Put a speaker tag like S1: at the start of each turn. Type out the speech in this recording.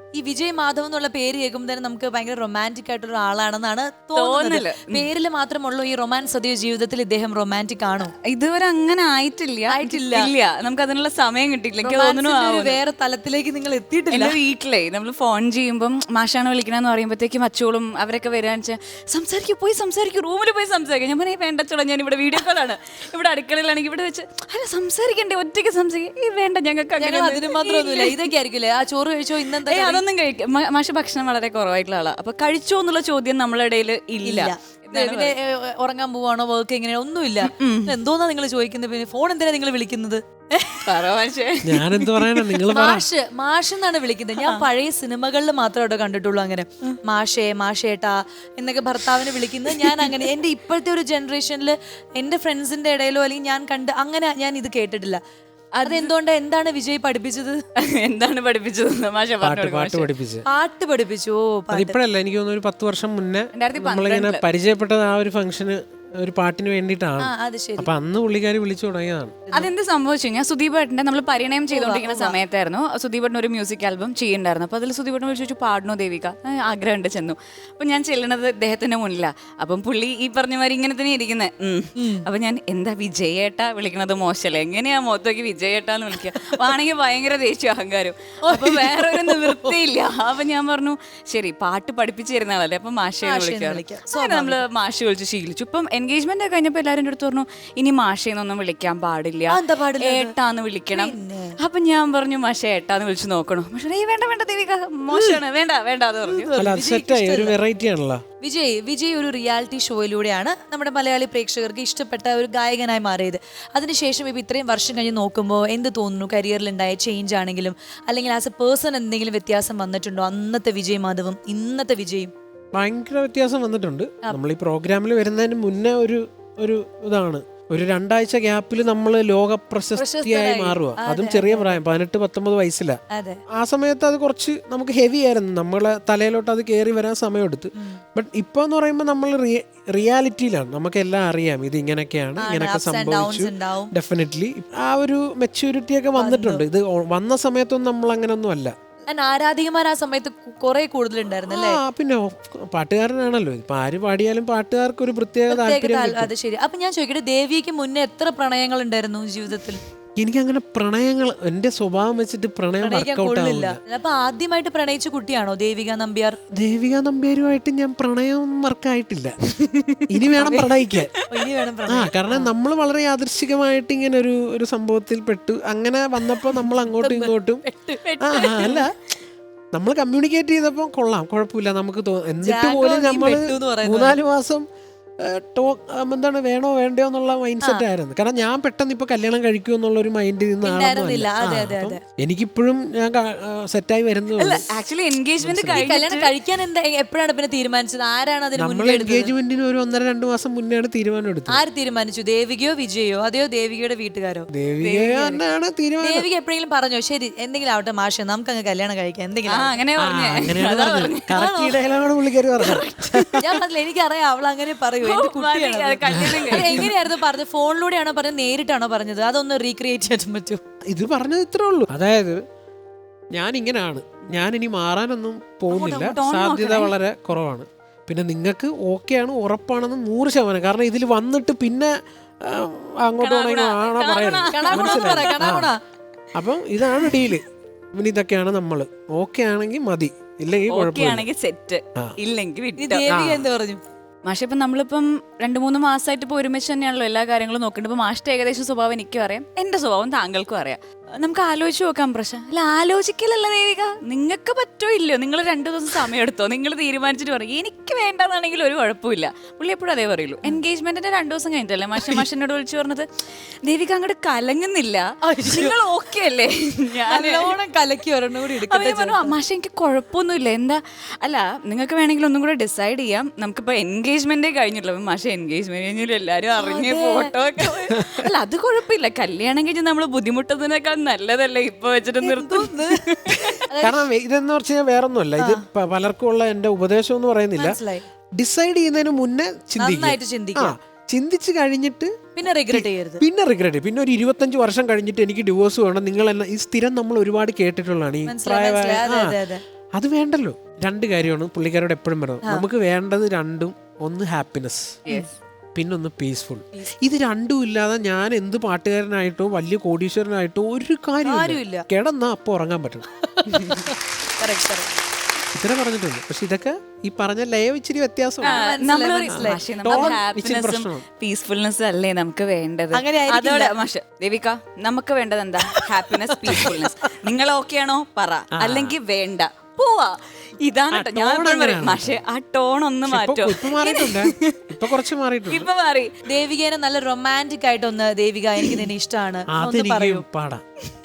S1: ഈ വിജയ് മാധവ് എന്നുള്ള പേര് കേൾക്കുമ്പോൾ തന്നെ നമുക്ക് ഭയങ്കര റൊമാൻറ്റിക് ആയിട്ടുള്ള ആളാണെന്നാണ് തോന്നുന്നത്. പേരിൽ മാത്രമുള്ളൂ ഈ റൊമാൻസ്, അതേ ജീവിതത്തിൽ ഇദ്ദേഹം റൊമാൻറ്റിക് ആണോ?
S2: ഇതുവരെ അങ്ങനെ ആയിട്ടില്ല. നമുക്ക് അതിനുള്ള സമയം കിട്ടിയില്ല. എനിക്ക് തോന്നുന്നു
S1: വേറെ തലത്തിലേക്ക് നിങ്ങൾ എത്തിയിട്ടില്ല.
S2: എന്റെ വീട്ടിലേ നമ്മൾ ഫോൺ ചെയ്യുമ്പം മാഷാണ് വിളിക്കണമെന്ന് പറയുമ്പോഴത്തേക്കും അച്ചോളും അവരൊക്കെ വരാന്ന് വെച്ചാൽ സംസാരിക്കും റൂമിൽ പോയി സംസാരിക്കും. ഞാൻ പറഞ്ഞാൽ വേണ്ടച്ചോളാം, ഞാൻ ഇവിടെ വീഡിയോ കോളാണ്, ഇവിടെ അടുക്കളയിലാണെങ്കിൽ ഇവിടെ വെച്ച് അല്ല സംസാരിക്കണ്ടേ, ഒറ്റയ്ക്ക് സംസാരിക്കും. ഈ വേണ്ട, ഞങ്ങൾക്ക്
S1: അതിന് മാത്രമൊന്നുമില്ല. ഇതൊക്കെ ആയിരിക്കില്ലേ, ആ ചോറ് കഴിച്ചോ ഇന്നെന്താ?
S2: അതൊന്നും കഴിക്കും. മാഷ് ഭക്ഷണം വളരെ കുറവായിട്ടുള്ള ആളാണ്. അപ്പൊ കഴിച്ചോ എന്നുള്ള ചോദ്യം നമ്മളുടെ ഇടയിൽ ഇല്ല.
S1: പിന്നെ ഉറങ്ങാൻ പോവാണോ, വർക്ക് എങ്ങനെയാ, ഒന്നുമില്ല. എന്തോന്നാ നിങ്ങൾ ചോദിക്കുന്നത്? പിന്നെ ഫോൺ എന്തിനാ നിങ്ങൾ വിളിക്കുന്നത്? മാഷ് എന്നാണ് വിളിക്കുന്നത്. ഞാൻ പഴയ സിനിമകളിൽ മാത്രമേ കണ്ടിട്ടുള്ളൂ അങ്ങനെ മാഷേട്ടാ എന്നൊക്കെ ഭർത്താവിനെ വിളിക്കുന്നത്. ഞാൻ അങ്ങനെ എന്റെ ഇപ്പോഴത്തെ ഒരു ജനറേഷനിൽ എന്റെ ഫ്രണ്ട്സിന്റെ ഇടയിലോ അല്ലെങ്കിൽ ഞാൻ കണ്ട് അങ്ങനെ ഞാൻ ഇത് കേട്ടിട്ടില്ല. അതെന്തുകൊണ്ട്? എന്താണ് വിജയ് പഠിപ്പിച്ചത്?
S2: എന്താണ് പഠിപ്പിച്ചത്?
S3: പാട്ട്
S1: പഠിപ്പിച്ചു.
S3: ഇപ്പോഴല്ല, എനിക്ക് തോന്നുന്നു ഒരു 10 വർഷം മുന്നേ നമ്മളിങ്ങനെ പരിചയപ്പെട്ടത് ആ ഒരു ഫംഗ്ഷന്, ഒരു പാട്ടിന് വേണ്ടിയിട്ടാണ്. അപ്പൊ അന്ന് പുള്ളിക്കാരി വിളിച്ചു തുടങ്ങിയതാണ്.
S2: അതെന്ത് സംഭവിച്ചു? ഞാൻ സുദീപേട്ടന്റെ നമ്മൾ പരിണയം ചെയ്തുകൊണ്ടിരിക്കുന്ന സമയത്തായിരുന്നു. സുദീപേട്ടൻ ഒരു മ്യൂസിക് ആൽബം ചെയ്യുന്നുണ്ടായിരുന്നു. അപ്പൊ അതിൽ സുദീപേട്ടൻ വിളിച്ചു, പാടണോ ദേവിക, ആഗ്രഹമുണ്ട്. ചെന്നു. അപ്പൊ ഞാൻ ചെല്ലണത് അദ്ദേഹത്തിന്റെ മുന്നിലാണ്. അപ്പം പുള്ളി ഈ പറഞ്ഞ മാതിരി ഇങ്ങനെ തന്നെ ഇരിക്കുന്നത്. അപ്പൊ ഞാൻ എന്താ വിജയേട്ട വിളിക്കണത് മോശമല്ലേ, എങ്ങനെയാ മുഖത്തേക്ക് വിജയേട്ടാന്ന് വിളിക്കുക? ആണെങ്കിൽ ഭയങ്കര ദേഷ്യ അഹങ്കാരം. അപ്പൊ വേറൊരു നിവൃത്തിയില്ല. അപ്പൊ ഞാൻ പറഞ്ഞു ശരി, പാട്ട് പഠിപ്പിച്ചു തരുന്ന ആളല്ലേ, അപ്പൊ മാഷയെ വിളിക്കാം. നമ്മള് മാഷ് വിളിച്ച് ശീലിച്ചു. ഇപ്പം എൻഗേജ്മെന്റ് ഒക്കെ കഴിഞ്ഞപ്പോ എല്ലാരും അടുത്ത് പറഞ്ഞു ഇനി മാഷേന്നൊന്നും വിളിക്കാൻ പാടില്ല, ഏട്ടാന്ന് വിളിക്കണം. അപ്പൊ ഞാൻ പറഞ്ഞു മാഷെ ഏട്ടാന്ന് വിളിച്ചു നോക്കണം. പക്ഷേ വേണ്ട ദേവിക, മോശമാണ്, വേണ്ട അത് പറഞ്ഞു.
S1: വിജയ് ഒരു റിയാലിറ്റി ഷോയിലൂടെയാണ് നമ്മുടെ മലയാളി പ്രേക്ഷകർക്ക് ഇഷ്ടപ്പെട്ട ഒരു ഗായകനായി മാറിയത്. അതിനുശേഷം ഇപ്പൊ ഇത്രയും വർഷം കഴിഞ്ഞ് നോക്കുമ്പോൾ എന്ത് തോന്നുന്നു? കരിയറിൽ ഉണ്ടായ ചേഞ്ച് ആണെങ്കിലും അല്ലെങ്കിൽ ആസ് എ പേഴ്സൺ എന്തെങ്കിലും വ്യത്യാസം വന്നിട്ടുണ്ടോ? അന്നത്തെ വിജയ് മാധവും ഇന്നത്തെ വിജയും
S3: ഭയങ്കര വ്യത്യാസം വന്നിട്ടുണ്ട്. നമ്മൾ ഈ പ്രോഗ്രാമിൽ വരുന്നതിന് മുന്നേ ഒരു ഇതാണ്, ഒരു 2 ആഴ്ച ഗ്യാപ്പിൽ നമ്മൾ ലോക പ്രശസ്തിയായി മാറുക. അതും ചെറിയ പ്രായം, 18-19 വയസ്സില. ആ സമയത്ത് അത് കുറച്ച് നമുക്ക് ഹെവി ആയിരുന്നു, നമ്മളെ തലയിലോട്ട് അത് കയറി വരാൻ സമയമെടുത്ത്. ബട്ട് ഇപ്പൊ എന്ന് പറയുമ്പോൾ നമ്മൾ റിയാലിറ്റിയിലാണ്, നമുക്ക് എല്ലാം അറിയാം, ഇത് ഇങ്ങനെയൊക്കെയാണ്, ഇങ്ങനെയൊക്കെ സംഭവിച്ചു. ഡെഫിനറ്റ്ലി ആ ഒരു മെച്യൂരിറ്റി ഒക്കെ വന്നിട്ടുണ്ട്. ഇത് വന്ന സമയത്തൊന്നും നമ്മൾ അങ്ങനൊന്നും അല്ല.
S1: ആരാധികമാർ ആ സമയത്ത് കുറെ കൂടുതലുണ്ടായിരുന്നല്ലേ?
S3: പിന്നെ പാട്ടുകാരനാണല്ലോ, ഇപ്പൊ ആര് പാടിയാലും പാട്ടുകാർക്ക് ഒരു പ്രത്യേക താല്പര്യം.
S1: അത് ശരി. അപ്പൊ ഞാൻ ചോദിക്കട്ടെ, ദേവിക്ക് മുന്നേ എത്ര പ്രണയങ്ങൾ ഉണ്ടായിരുന്നു ജീവിതത്തിൽ?
S3: എനിക്കങ്ങനെ പ്രണയങ്ങൾ, എന്റെ സ്വഭാവം വെച്ചിട്ട് പ്രണയം വർക്കൗട്ട് ആവില്ല.
S1: അപ്പൊ ആദ്യമായിട്ട് പ്രണയിച്ച കുട്ടിയാണോ ദേവിക നമ്പ്യാർ?
S3: ദേവിക നമ്പ്യാരുമായിട്ട് ഞാൻ പ്രണയം വർക്കായിട്ടില്ല. ഇനി വേണം പ്രണയിക്കാൻ. കാരണം നമ്മൾ വളരെ യാദൃശ്ചികമായിട്ട് ഇങ്ങനെ ഒരു സംഭവത്തിൽ പെട്ടു. അങ്ങനെ വന്നപ്പോ നമ്മൾ അങ്ങോട്ടും ഇങ്ങോട്ടും അല്ല, നമ്മൾ കമ്മ്യൂണിക്കേറ്റ് ചെയ്തപ്പോ കൊള്ളാം, കുഴപ്പമില്ല നമുക്ക് എന്നിട്ട് പോലും നമ്മൾ 3-4 മാസം എന്താണ് വേണോ വേണ്ടയോ എന്നുള്ള മൈൻഡ് സെറ്റ് ആയിരുന്നു. കാരണം ഞാൻ പെട്ടെന്ന് ഇപ്പൊ കല്യാണം കഴിക്കൂ എന്നുള്ള ഒരു മൈൻഡിൽ നിന്നാണ്. എനിക്കിപ്പോഴും ഞാൻ സെറ്റായി വരുന്നത്.
S2: ആക്ച്വലി എൻഗേജ്മെന്റ്
S1: കഴിക്കാൻ എപ്പോഴാണ് പിന്നെ തീരുമാനിച്ചത്? ആരാണ് അതിന്?
S3: നമ്മൾ എൻഗേജ്മെന്റിന് ഒരു 1.5-2 മാസം മുന്നെയാണ് തീരുമാനം എടുത്തത്.
S1: ആര് തീരുമാനിച്ചു? ദേവികയോ വിജയോ, അതെയോ ദേവികയുടെ വീട്ടുകാരോ?
S3: ദേവിക തന്നെയാണ് തീരുമാനം.
S1: ദേവിക എപ്പോഴെങ്കിലും പറഞ്ഞോ ശരി എന്തെങ്കിലും ആവട്ടെ മാഷെ നമുക്ക് അങ്ങ് കല്യാണം കഴിക്കാം എന്തെങ്കിലും? ഞാൻ പറഞ്ഞില്ല, എനിക്കറിയാം അവൾ അങ്ങനെ പറയൂ. എങ്ങനെയായിരുന്നു പറഞ്ഞത്? ഫോണിലൂടെയാണോ പറഞ്ഞത്, നേരിട്ടാണോ പറഞ്ഞത്? അതൊന്ന് റീക്രിയേറ്റ് ചെയ്യാൻ പറ്റുമോ?
S3: ഇത് പറഞ്ഞത് ഇത്രേ ഉള്ളൂ. അതായത് ഞാൻ ഇങ്ങനെയാണ്, ഞാൻ ഇനി മാറാനൊന്നും പോകുന്നില്ല, സാധ്യത വളരെ കുറവാണ്. പിന്നെ നിങ്ങൾക്ക് ഓക്കെയാണ്, ഉറപ്പാണെന്ന് 100%. കാരണം ഇതിൽ വന്നിട്ട് പിന്നെ അങ്ങോട്ട് പറയണം. അപ്പം ഇതാണ് ഡീല്. പിന്നെ ഇതൊക്കെയാണ് നമ്മള്. ഓക്കെ ആണെങ്കിൽ മതി, ഇല്ലെങ്കിൽ
S2: കുഴപ്പമില്ല, സെറ്റ് ഇല്ലെങ്കിൽ
S1: എന്ത് പറഞ്ഞു
S2: മാഷ? ഇപ്പം നമ്മളിപ്പം 2-3 മാസമായിട്ട് ഇപ്പോൾ ഒരുമിച്ച് തന്നെയാണല്ലോ എല്ലാ കാര്യങ്ങളും നോക്കേണ്ടത്. ഇപ്പോൾ മാഷിന്റെ ഏകദേശം സ്വഭാവം എനിക്കും അറിയാം, എൻ്റെ സ്വഭാവം താങ്കൾക്കും അറിയാം. നമുക്ക് ആലോചിച്ച് നോക്കാം പ്രശ്നം. അല്ല ആലോചിക്കലല്ല ദേവിക, നിങ്ങൾക്ക് പറ്റോ ഇല്ലയോ, നിങ്ങൾ 2 ദിവസം സമയം എടുത്തോ, നിങ്ങൾ തീരുമാനിച്ചിട്ട് പറയും. എനിക്ക് വേണ്ടെന്നാണെങ്കിൽ ഒരു കുഴപ്പമില്ല. പുള്ളി എപ്പോഴും അതേ പറയുള്ളൂ. എൻഗേജ്മെന്റിന്റെ 2 ദിവസം കഴിഞ്ഞിട്ടല്ലേ മാഷിനോട് വിളിച്ചു പറഞ്ഞത് ദേവിക അങ്ങോട്ട് കലങ്ങുന്നില്ല, നിങ്ങൾ ഓക്കെ അല്ലേ? ഞാൻ
S1: കലക്കി
S2: മാഷ എനിക്ക് കുഴപ്പമൊന്നുമില്ല, എന്താ അല്ല നിങ്ങൾക്ക് വേണമെങ്കിൽ ഒന്നും കൂടെ ഡിസൈഡ് ചെയ്യാം, നമുക്കിപ്പോൾ എൻഗേജ്മെന്റേ കഴിഞ്ഞിട്ടുള്ളൂ. മാഷ എൻഗേജ്മെന്റ് കഴിഞ്ഞാലും എല്ലാവരും അറിഞ്ഞ ഫോട്ടോ ഒക്കെ അല്ല അത് കുഴപ്പമില്ല, കല്യാണം കഴിഞ്ഞ് നമ്മൾ ബുദ്ധിമുട്ടുന്നതിനേക്കാൾ നല്ലതല്ലേ ഇപ്പൊ വെച്ചിട്ട് നിർത്തുന്നു.
S3: കാരണം ഇതെന്ന് പറഞ്ഞാൽ വേറൊന്നുമല്ല, ഇത് പലർക്കും ഉള്ള എന്റെ ഉപദേശം എന്ന് പറയുന്നില്ല. ഡിസൈഡ് ചെയ്യുന്നതിന് മുന്നേ ചിന്തിച്ച് കഴിഞ്ഞിട്ട്
S1: പിന്നെ റിഗ്രറ്റ് ചെയ്യരുത്.
S3: പിന്നെ ഒരു 25 വർഷം കഴിഞ്ഞിട്ട് എനിക്ക് ഡിവോഴ്സ് വേണം, നിങ്ങൾ ഈ സ്ഥിരം നമ്മൾ ഒരുപാട് കേട്ടിട്ടുള്ളതാണ്. ഈ പ്രായമായ അത് വേണ്ടല്ലോ. രണ്ട് കാര്യമാണ് പുള്ളിക്കാരോട് എപ്പോഴും പറയുന്നത്. നമുക്ക് വേണ്ടത് രണ്ടും, ഒന്ന് ഹാപ്പിനെസ്, പിന്നൊന്ന് പീസ്ഫുൾ. ഇത് രണ്ടും ഇല്ലാതെ ഞാൻ എന്ത് പാട്ടുകാരനായിട്ടോ വലിയ കോടീശ്വരനായിട്ടോ ഒരു കാര്യമില്ല. കിടന്നാ അപ്പൊ ഉറങ്ങാൻ പറ്റണം. ഇത്ര പറഞ്ഞിട്ടുണ്ട്. പക്ഷെ ഇതൊക്കെ ഈ പറഞ്ഞ ലയം ഇച്ചിരി വ്യത്യാസമാണ്.
S2: പീസ്ഫുൾനെസ് അല്ലേ നമുക്ക് വേണ്ടത്. അതോടെ മാഷ് ദേവിക, നമുക്ക് വേണ്ടത് എന്താ? Happiness, peacefulness. നിങ്ങൾ ഓക്കെ ആണോ പറ, അല്ലെങ്കിൽ വേണ്ട പോവാ. ഇതാണ് ഞാൻ പക്ഷെ ആ ടോൺ ഒന്ന് മാറ്റോ.
S3: ഇപ്പൊ കുറച്ച് മാറിയിട്ടുണ്ട്.
S2: ഇപ്പൊ മാറി.
S1: ദേവികേനെ നല്ല റൊമാൻറ്റിക് ആയിട്ടൊന്ന്, ദേവിക എനിക്ക് നിന്നെ ഇഷ്ടമാണ്
S3: പാടാം.